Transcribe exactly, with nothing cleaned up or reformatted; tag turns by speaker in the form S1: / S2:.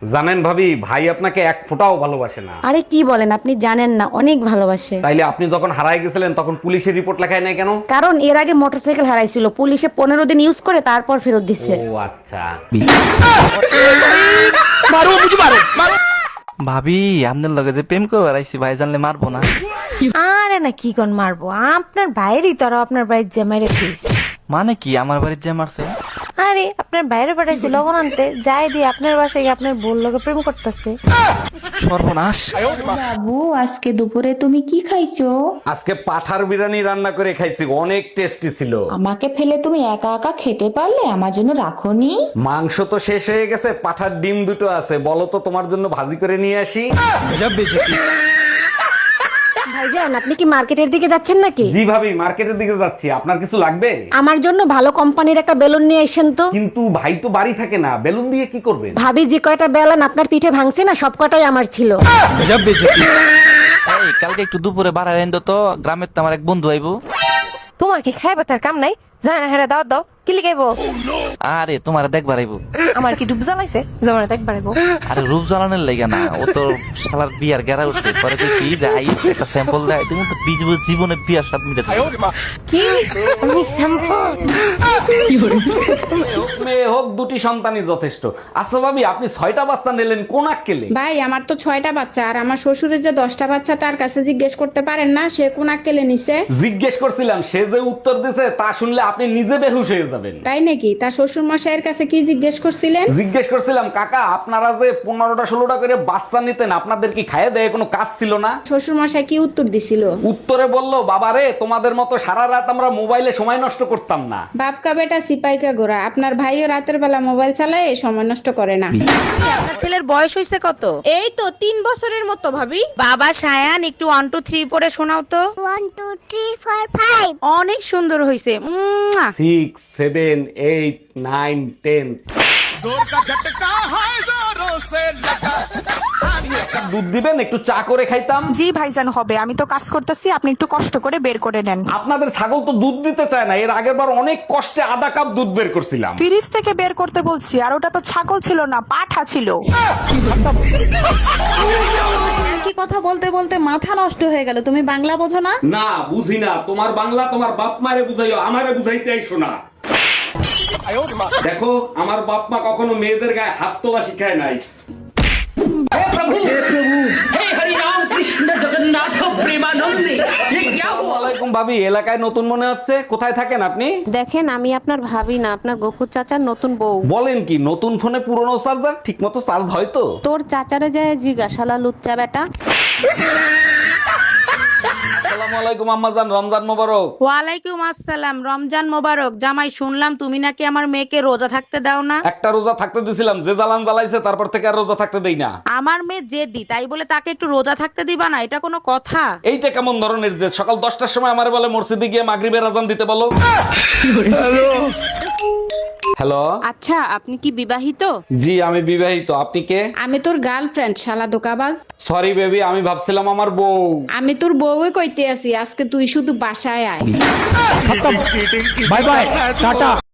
S1: জানেন ভাবি, ভাই আপনাকে এক ফোঁটাও ভালোবাসে না।
S2: আরে কি বলেন, আপনি জানেন না, অনেক ভালোবাসে।
S1: তাইলে আপনি যখন হারায় গেছিলেন তখন পুলিশের রিপোর্ট লেখায় নাই কেন?
S2: কারণ এর আগে মোটরসাইকেল হারাইছিল, পুলিশে পনেরো দিন ইউজ করে তারপর ফেরত দিচ্ছে।
S1: ও আচ্ছা।
S3: ভাবি আপনার লগে যে প্রেম করে বেড়াইছি ভাই জানলে মারবো না?
S4: আরে না, কি কোন মারবো, আপনার বাইরেই তো আরো আপনার বাড়ির জামাইরে ফিস।
S3: মানে কি আমার বাড়ির যে মারছে?
S4: আরে আপনার বাইরে পাঠাইছি লবণ আনতে, যাই দিয়ে আপনার বাসায় গিয়ে আপনার বোন লগে প্রেম করতেছে।
S3: সর্বনাশ।
S5: বাবু, আজকে দুপুরে তুমি কি খাইছো?
S1: আজকে পাঠার বিরিয়ানি রান্না করে খাইছি, অনেক টেস্টি ছিল।
S5: আমাকে ফেলে তুমি একা একা খেতে পারলে, আমার জন্য রাখোনি?
S1: মাংস তো শেষ হয়ে গেছে, পাঠার ডিম দুটো আছে, বলো তো তোমার জন্য ভাজি করে নিয়ে আসি।
S2: ভাইজান, আপনি কি মার্কেটের দিকে যাচ্ছেন নাকি?
S1: জি ভাবি, মার্কেটের দিকে যাচ্ছি। আপনার কিছু লাগবে?
S2: আমার জন্য ভালো কোম্পানির একটা বেলুন নিয়ে আসেন তো।
S1: কিন্তু ভাই তো বাড়ি থাকে না, বেলুন দিয়ে কি করবেন?
S2: ভাবি যে কয়টা বেলুন আপনার পিঠে ভাঙছে না, সব কটাই আমার ছিল।
S3: এই কালকে একটু দুপুরে বাড়ায় এনে তো, গ্রামের তো আমার এক বন্ধু আইবো।
S4: তোমার কি খাইবা তার কাম নাই? জানা না, হেরা দাও দাও, কি লিখাইবো?
S3: আরে তোমার দেখবার আইবো।
S4: আমার কি ডুব জ্বালাইছে জমানা দেখবার আইবো?
S3: আরে রূপ জ্বালানোর লেগে না, ও তো শালার বিয়ার গেরা উঠছে। পরে কইছি যে আইস একটা স্যাম্পল দেয়, তুমি তো বিজ- জীবনে বিয়ার স্বাদ মিটে দেবে।
S4: কি আমি শ্যাম্পু?
S1: মেয়ে হোক, দুটি সন্তানই যথেষ্ট। আচ্ছা ভাবি, আপনি ছয়টা বাচ্চা নিলেন কোন আক্কেলে?
S6: ভাই, আমার তো ছয়টা বাচ্চা, আর আমার শ্বশুরের যে দশটা বাচ্চা, তার কাছে জিজ্ঞেস করতে পারেন না সে কোন আক্কেলে নিছে?
S1: জিজ্ঞেস করছিলাম, সে যে উত্তর দিছে তা শুনলে আপনি নিজে বেহুশ হয়ে যাবেন।
S6: তাই নাকি? তার শ্বশুর মশাইয়ের কাছে কি জিজ্ঞেস করছিলেন?
S1: জিজ্ঞেস করছিলাম, কাকা আপনারা যে পনেরোটা ষোলোটা করে বাচ্চা নিতেন, আপনাদের কি খাইয়ে দেয় কোনো কাজ ছিল না?
S6: শ্বশুর মশাই কি উত্তর দিছিল?
S1: উত্তরে বললো, বাবারে তোমাদের মতো সারা রাত আমরা মোবাইলে সময় নষ্ট করতাম না।
S6: বাপকা বেটা সিপাইকা গোরা, আপনার ভাইও রাতের বেলা মোবাইল চালায়, সময় নষ্ট করে না।
S2: আপনার ছেলের বয়স হয়েছে কত?
S4: এই তো তিন বছরের মতো ভাবি।
S2: বাবা সায়ান, একটু ওয়ান টু থ্রি পরে শোনাও তো।
S7: One two three four five.
S2: অনেক সুন্দর হয়েছে।
S1: Six seven eight nine ten. দুধ দিবেন, একটু চা করে খাইতাম।
S8: জি ভাইজান, হবে। আমি তো কাজ করতেছি, আপনি একটু কষ্ট করে বের করে নেন।
S1: আপনাদের ছাগল তো দুধ দিতে চায় না, এর আগের বার অনেক কষ্টে আধা কাপ দুধ বের করছিলাম।
S8: ফ্রিজ থেকে বের করতে বলছি, আর ওটা তো ছাগল ছিল না, পাঠা ছিল।
S5: কি কথা বলতে বলতে মাথা নষ্ট হয়ে গেল, তুমি বাংলা বোঝো না?
S1: না বুঝি না, তোমার বাংলা তোমার বাপ মারে বুঝাইও, আমারে বুঝাইতে আইসো না। দেখো, আমার বাপ মা কখনো মেয়েদের গায়ে হাত তোলা শিখায় নাই। ওয়ালাইকুম ভাবি, এলাকায় নতুন মনে হচ্ছে, কোথায় থাকেন আপনি?
S2: দেখেন, আমি আপনার ভাবি না, আপনার গফুর চাচার নতুন বউ।
S1: বলেন কি, নতুন ফোনে পুরনো চার্জার ঠিক মতো চার্জ হয় তো?
S2: তোর চাচারে যায় জিজ্ঞাসালা লুচ্চা বেটা।
S1: আসসালামু আলাইকুম আম্মাজান, রমজান মোবারক।
S2: ওয়ালাইকুম আসসালাম, রমজান মোবারক। জামাই, শুনলাম তুমি নাকি আমার মেয়েকে রোজা থাকতে দাও না।
S1: একটা রোজা থাকতে দিছিলাম, যে জ্বালান জ্বালাইছে তারপর থেকে আর রোজা থাকতে দেই না।
S2: আমার মেয়ে জেদি, তাই বলে তাকে একটু রোজা থাকতে দিবা না? এটা কোনো কথা?
S1: এইটা কেমন ধরনের যে সকাল দশটার সময় আমার বলে মসজিদে গিয়ে মাগরিবের আজান দিতে বলো। হ্যালো,
S2: আচ্ছা, আপনি কি বিবাহিত?
S1: জি আমি বিবাহিত। আপনি কে?
S6: আমি তোর গার্লফ্রেন্ড, শালা দোকাবাজ।
S1: সরি বেবি, আমি ভাবছিলাম আমার বউ।
S6: আমি তোর বউই কইতে আছি, আজকে তুই শুধু বাসায় আয়।
S9: Bye bye, tata.